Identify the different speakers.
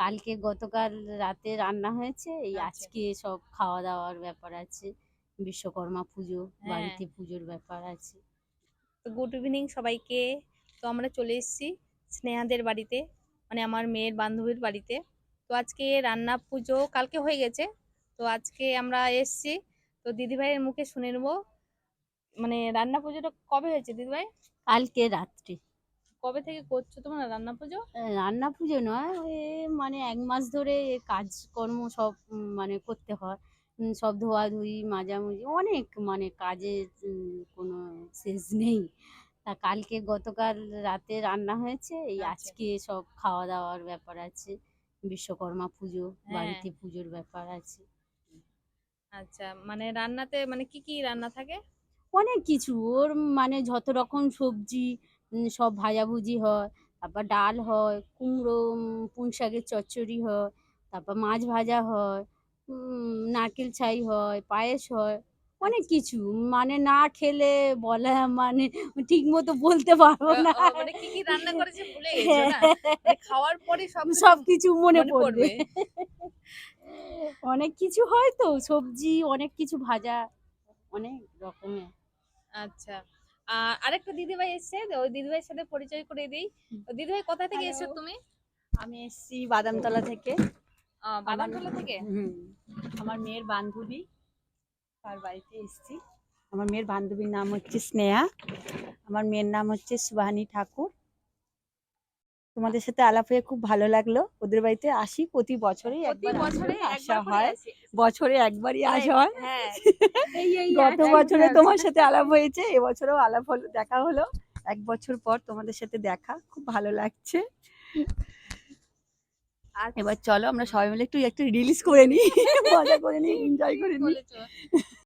Speaker 1: কালকে গতকাল রাতে রান্না হয়েছে, এই
Speaker 2: আচ্ছা।
Speaker 1: আজকে সব খাওয়া দাওয়ার ব্যাপার আছে। বিশ্বকর্মা পুজো,
Speaker 2: হ্যাঁ,
Speaker 1: বাড়িতে পুজোর ব্যাপার আছে।
Speaker 2: তো গুড ইভিনিং সবাইকে। তো আমরা চলে এসেছি স্নেহাদের বাড়িতে, মানে আমার মেয়ের বান্ধবীর বাড়িতে। তো আজকে রান্না পুজো কালকে হয়ে গেছে, তো আজকে আমরা এসেছি। তো দিদিভাইয়ের মুখে শুনে নেবো, মানে রান্না পুজোটা কবে হয়েছে দিদিভাই?
Speaker 1: কালকে রাত্রে।
Speaker 2: কবে থেকে করছো তোমরা রান্না পুজো?
Speaker 1: রান্না পুজো নয়, ওই মানে ১ মাস ধরে কাজকর্ম সব মানে করতে হয়। সব ধোয়াধুয়ি, মাজামুজি অনেক মানে কাজের কোনো শেষ নেই। তা কালকে গতকাল রাতে রান্না হয়েছে, এই
Speaker 2: আচ্ছা।
Speaker 1: আজকে সব খাওয়া দাওয়ার ব্যাপার আছে। বিশ্বকর্মা পুজো,
Speaker 2: হ্যাঁ।
Speaker 1: বাড়িতে পুজোর ব্যাপার আছে।
Speaker 2: আচ্ছা, মানে রান্নাতে মানে কি কি রান্না থাকে?
Speaker 1: অনেক কিছু ওর মানে যত রকম সবজি সব ভাজাভুজি হয়, তারপর ডাল হয়, কুমড়ো পুঁই শাকের চচ্চড়ি হয়, তারপর মাছ ভাজা হয়, নারকেল ছাই হয়, পায়েস হয়, অনেক
Speaker 2: আচ্ছা।
Speaker 1: কিছু। মানে না খেলে বলা মানে ঠিকমতো বলতে পারবো না।
Speaker 2: মানে কি কি রান্না করেছে ভুলে গেছো
Speaker 1: হ্যাঁ,
Speaker 2: না? মানে খাওয়ার পরে সবকিছু
Speaker 1: সবকিছু মনে
Speaker 2: মনে
Speaker 1: পড়বে।
Speaker 2: পড়বে।
Speaker 1: অনেক কিছু হয় তো, সবজি অনেক কিছু ভাজা, অনেক রকমের।
Speaker 2: আচ্ছা। আরেকটা দিদিভাই এসছে, তো ওই দিদিভাইয়ের সাথে পরিচয় করিয়ে দেই। তো দিদিভাই কোথা থেকে
Speaker 3: হ্যালো,
Speaker 2: এসছো তুমি?
Speaker 3: আমি এসেছি বাদামতলা থেকে। আমার
Speaker 2: বাদামতলা থেকে?
Speaker 3: হুম, আমার মেয়ের বান্ধবী, তার বাড়িতে এসেছি। আমার মেয়ের বান্ধবীর নাম হচ্ছে স্নেহা, আমার মেয়ের নাম হচ্ছে সুবাহানী ঠাকুর। তোমাদের সাথে আলাপ হয়ে খুব ভালো লাগলো। ওদের বাড়িতে আসি প্রতি বছরেই
Speaker 2: প্রতি
Speaker 3: একবার
Speaker 2: বছরে
Speaker 3: আসা
Speaker 2: একবার করে
Speaker 3: হয়,
Speaker 2: আসি।
Speaker 3: বছরে একবারই
Speaker 2: মানে
Speaker 3: আসা হয়।
Speaker 2: হ্যাঁ,
Speaker 1: এই
Speaker 3: গত বছরে
Speaker 1: একদম।
Speaker 3: তোমার সাথে আলাপ হয়েছে, এবছরেও আলাপ হলো, দেখা হলো। ১ বছর পর তোমাদের সাথে দেখা, খুব ভালো লাগছে।
Speaker 2: আচ্ছা।
Speaker 3: এবার চলো আমরা সবাই মিলে একটু রিলিজ করে নিই, মজা করে নিই, এনজয়
Speaker 2: ঠিক
Speaker 3: করে নিই।
Speaker 2: বলেছো।